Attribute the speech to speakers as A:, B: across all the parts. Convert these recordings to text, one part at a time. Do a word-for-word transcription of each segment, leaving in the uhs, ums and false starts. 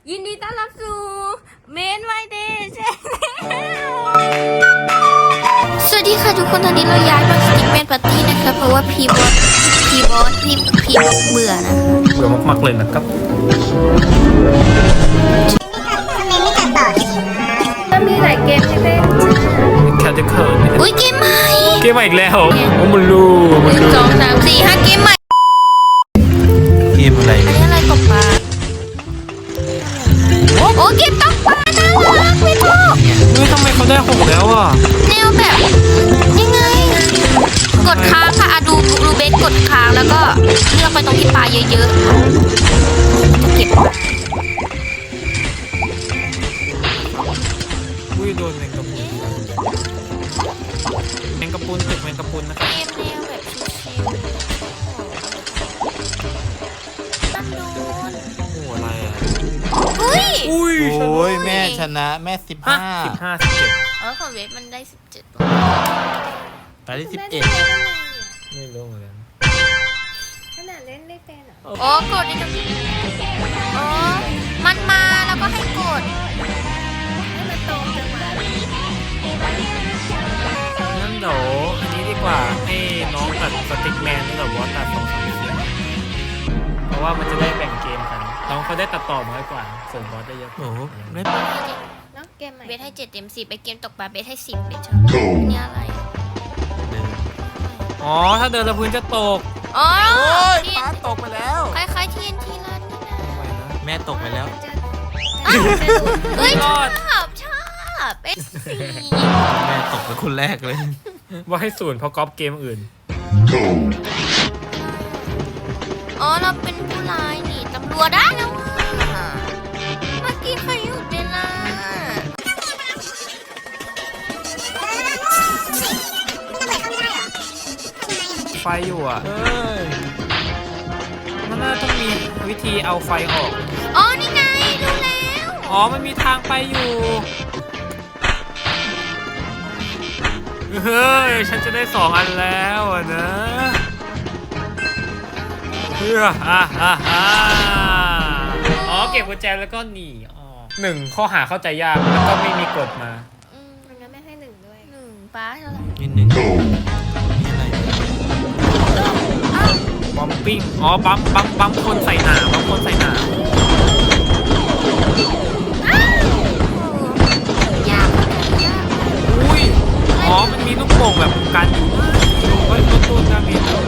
A: ยินดีต้อนรับสู่เมนไวเดย์ชแนลสวัสดีค่ะทุกคนตอนนี้เราย้ายมาสติ๊กเมนปาร์ตี้นะคะเพราะว่าพีบอสพีบอสพี่พีบอสเบื่อนะ
B: เบื่อมากๆเลยนะครับ
A: ก็มีหลายเกมให้เล่น
B: แคทเคิล
A: อุ้ยเกมใหม่
B: เกมใหม่อีกแล้วโอ้มันรู้
A: หนึ่งสองสามสี่ห้าเกมใหม่
B: เกมอะไร
A: อันนี้อะไรตกปลาโอ้เกมตกปลาน่ารักไม่ชอบ
B: เฮ้ยทำไมเขาได้หกแล้วอ่ะ
A: แนวแบบยังไงกดค้างค่ะอะดูดูเบสกดค้างแล้วก็เลือกไปตรงที่ปลาเยอะๆจะเก็บ
B: อุ้ยโดนแมงกะพรุนแมงกะพรุนตึกแมงกะพรุนนะครับ
A: เกมแนวแบบชิวๆตั้งโดน
B: โอ้อะไรอ่ะ
A: อุ้ย
B: อุ้ย
C: โอ้ยแม่ชนะแม่สิบห้า
B: สิบห้าสิบเจ็ด
A: อ๋อของเวฟมันได้สิบเจ็ด
C: ตอนที่สิบเอ็ด
B: ไม่รู้เหมือนกัน
A: ขนาดเล่นไม่เป็นเหรออ๋อกดนี่ตรงนี้อ๋อมันมาแล้วก็ให้กดให้มันตรงจังหวะ
B: งั้นเดี๋ยวอันนี้ดีกว่าให้น้องตัดสติ๊กแมนนี่แบบว่าตัดสองสามเสียงเพราะว่ามันจะได้แบ่งเกมกันน้องเขาได้ตัดต่อน้อยกว่าส่วนบอสได้เยอะ
C: โอ้โหไม่
A: น้องเกมใหม่เบสให้เจ็ดเต็มสิบไปเกมตกปลาเบสให้สิบเบสชอบนี่อะไร
B: อ๋อถ้าเดินแล้วพื้นจะตก
A: อ๋อ
C: ป้าตกไปแล้ว
A: คล้ายๆทีนทีรันนี่นะ
C: แม่ตกไปแล้ว
A: เฮ้ยชอบชอบเอสซี
C: แม่ตกเป็นคนแรกเลย
B: ว่าให้ศูนย์เพราะก๊อปเกมอื่น
A: อ๋อเราเป็นผู้ร้ายนี่ตำรวจได้แล้วว่ะเมื่อกี้ใครหยุดเวลา
B: ไฟอยู่อ่ะมันน่าต้องมีวิธีเอาไฟออก
A: อ๋อนี่ไงรู้แล้ว
B: อ๋อมันมีทางไปอยู่เฮ้ยฉันจะได้สองอันแล้วอ่ะนะเพื่ออ่าอ่าอ่าอ๋อเก็บกุญแจแล้วก็หนีอ๋อหนึ่งข้อหาเข้าใจยากแล้วก็ไม่มีกฎมา
A: อืมมันก็ไม่ให้หนึ่งด้วยหนึ่งป้าเท่าไหร่
C: นิดหนึ่งนี่อะไร
B: บัมปิ้งอ๋อบัมบัมบัมคนใส่หนาบัมคนใส่หนาย
A: ากยาก
B: อุ้ยอ๋อมันมีลูกโป่งแบบกันอยู่เฮ้ยต้นต้นนะมีแล้ว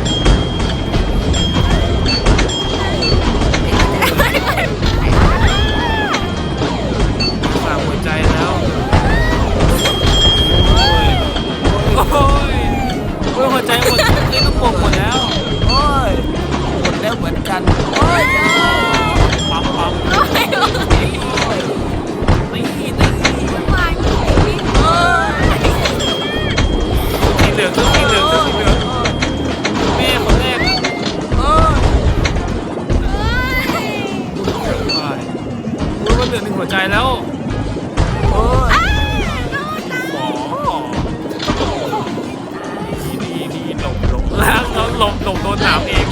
B: ฝากหัวใจแล้วโอ้ยโอ้ยโอ้ยหัวใจหมดนี่ลูกโป่งหมดแล้ว
C: โอ้ยหมดแล้วเหมือนกันโอ้ย
B: ปั๊มปั๊มนี่นี่สีเหลืองสีเหลืองสีเหลืองแม่คนแรกโอ้ยมันเหลือหนึ่งหัวใจแล้ว
C: โอ้ย
B: สองดีดีหลบหลบแล้วแล้วหลบหลบโดนหนามเอง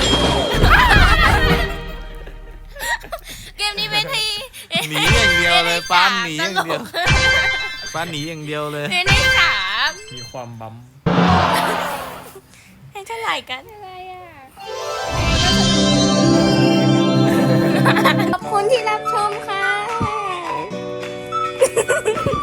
A: เกมนี้เป็นที่
C: หนีอย่างเดียวเลยป้าหนีอย่างเดียวป้าหนีอย่างเดียวเลย
A: เป็นที่สาม
B: มีความบั๊ม
A: ให้เท่าไหร่กันอะไรอ่ะขอบคุณที่รับชมค่ะ